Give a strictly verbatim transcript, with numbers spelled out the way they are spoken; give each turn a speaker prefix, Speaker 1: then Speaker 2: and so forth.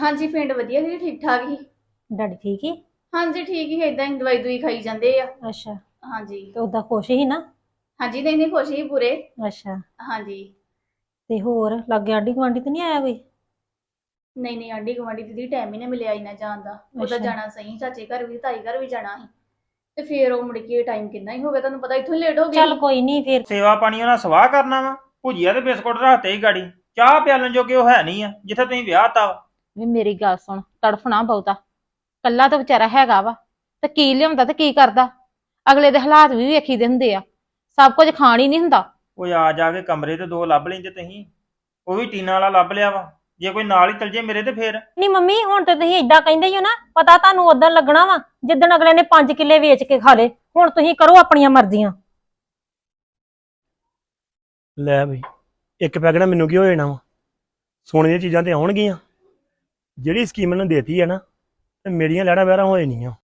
Speaker 1: ਹਾਂਜੀ ਪਿੰਡ ਵਧੀਆ ਸੀ, ਠੀਕ ਠਾਕ ਹੀ।
Speaker 2: ਡੈਡੀ ਠੀਕ ਹੀ?
Speaker 1: ਹਾਂਜੀ ਠੀਕ ਹੀ, ਏਦਾਂ ਹੀ ਦਵਾਈ ਦੂਈ ਖਾਈ ਜਾਂਦੇ ਆ।
Speaker 2: ਅੱਛਾ।
Speaker 1: ਹਾਂਜੀ।
Speaker 2: ਤੇ ਉਦਾਂ ਖੁਸ਼ ਹੀ ਨਾ?
Speaker 1: ਹਾਂਜੀ ਨਹੀਂ ਨਹੀਂ ਖੁਸ਼ ਹੀ ਪੂਰੇ।
Speaker 2: ਅੱਛਾ।
Speaker 1: ਹਾਂਜੀ।
Speaker 2: ਤੇ ਹੋਰ ਲਾਗੇ ਆਂਢੀ ਗੁਆਂਢੀ ਤੇ ਨਹੀਂ ਆਇਆ ਕੋਈ?
Speaker 1: ਨਹੀਂ ਨਹੀਂ ਆਂਢੀ ਗੁਆਂਢੀ ਦੀਦੀ ਟਾਈਮ ਹੀ ਨਾ ਮਿਲਿਆ ਇੰਨਾ ਜਾਣ ਦਾ। ਉਹਦਾ
Speaker 2: ਅੱਛਾ।
Speaker 1: ਜਾਣਾ ਸਹੀ, ਚਾਚੇ ਘਰ ਵੀ ਤਾਈ ਘਰ ਵੀ ਜਾਣਾ ਸੀ ਤੇ ਫੇਰ ਉਹ ਮੁੜ ਕੇ ਟਾਈਮ ਕਿੰਨਾ ਹੀ ਹੋ ਗਿਆ, ਤੁਹਾਨੂੰ ਪਤਾ ਇੱਥੋਂ ਹੀ ਲੇਟ ਹੋ ਗਏ
Speaker 2: ਚੱਲ
Speaker 1: ਸੀ।
Speaker 2: ਕੋਈ ਨਹੀਂ ਫਿਰ।
Speaker 3: ਸੇਵਾ ਪਾਣੀ ਉਹਨਾਂ ਸਵਾਹ ਕਰਨਾ ਵਾ। ਭੁਜੀਆ ਤੇ ਬਿਸਕੁਟ ਰੱਖਤੇ ਹੀ ਗਾੜੀ, ਚਾਹ ਪਿਆਲਣ ਜੋਗੇ ਉਹ ਹੈ ਨਹੀਂ ਆ ਜਿੱਥੇ ਤੁਸੀਂ ਵਿਆਹ ਤਾ ਵਾ।
Speaker 4: ਵੀ ਮੇਰੀ ਗੱਲ ਸੁਣ, ਤੜਫਣਾ ਬਹੁਤਾ। ਕੱਲਾ ਤਾਂ ਵਿਚਾਰਾ ਹੈਗਾ ਵਾ, ਤੇ ਕੀ ਲਿਆਉਂਦਾ ਤੇ ਕੀ ਕਰਦਾ। ਅਗਲੇ ਦੇ ਹਾਲਾਤ ਵੀ ਵੇਖੀ ਦੇ ਹੁੰਦੇ ਆ, ਸਭ ਕੁਝ ਖਾਣ ਹੀ ਨਹੀਂ ਹੁੰਦਾ।
Speaker 3: ਉਹ ਆ ਜਾ ਕੇ ਕਮਰੇ ਤੇ ਦੋ ਲੱਭ ਲੈਂਦੇ ਤੁਸੀਂ, ਉਹ ਵੀ ਟੀਨਾ ਵਾਲਾ ਲੱਭ ਲਿਆ ਵਾ। ਜੇ ਕੋਈ ਨਾਲ ਹੀ ਚਲ ਜੇ ਮੇਰੇ ਤੇ ਫੇਰ।
Speaker 2: ਨਹੀਂ ਮੰਮੀ, ਹੁਣ ਤੇ ਤੁਸੀਂ ਏਦਾਂ ਕਹਿੰਦੇ ਹੀ ਹੋ ਨਾ, ਪਤਾ ਤੁਹਾਨੂੰ ਉਦੋਂ ਲੱਗਣਾ ਵਾ ਜਿੱਦਣ ਅਗਲੇ ਨੇ ਪੰਜ ਕਿੱਲੇ ਵੇਚ ਕੇ ਖਾ ਲਏ। ਹੁਣ ਤੁਸੀਂ ਕਰੋ ਆਪਣੀਆਂ ਮਰਜ਼ੀਆਂ।
Speaker 5: ਲੈ ਬਈ, ਇੱਕ ਪੈਗ ਨਾ ਮੈਨੂੰ ਕੀ ਹੋ ਜਾਣਾ ਵਾ, ਸੋਨੇ ਦੀਆਂ ਚੀਜ਼ਾਂ ਤੇ ਆਉਣਗੀਆਂ। ਜਿਹੜੀ ਸਕੀਮ ਮੈਨੂੰ ਦੇਤੀ ਹੈ ਨਾ, ਤੇ ਮੇਰੀਆਂ ਲੈਣਾ ਵਹਿਰਾਂ ਹੋ ਜਾਣੀਆਂ।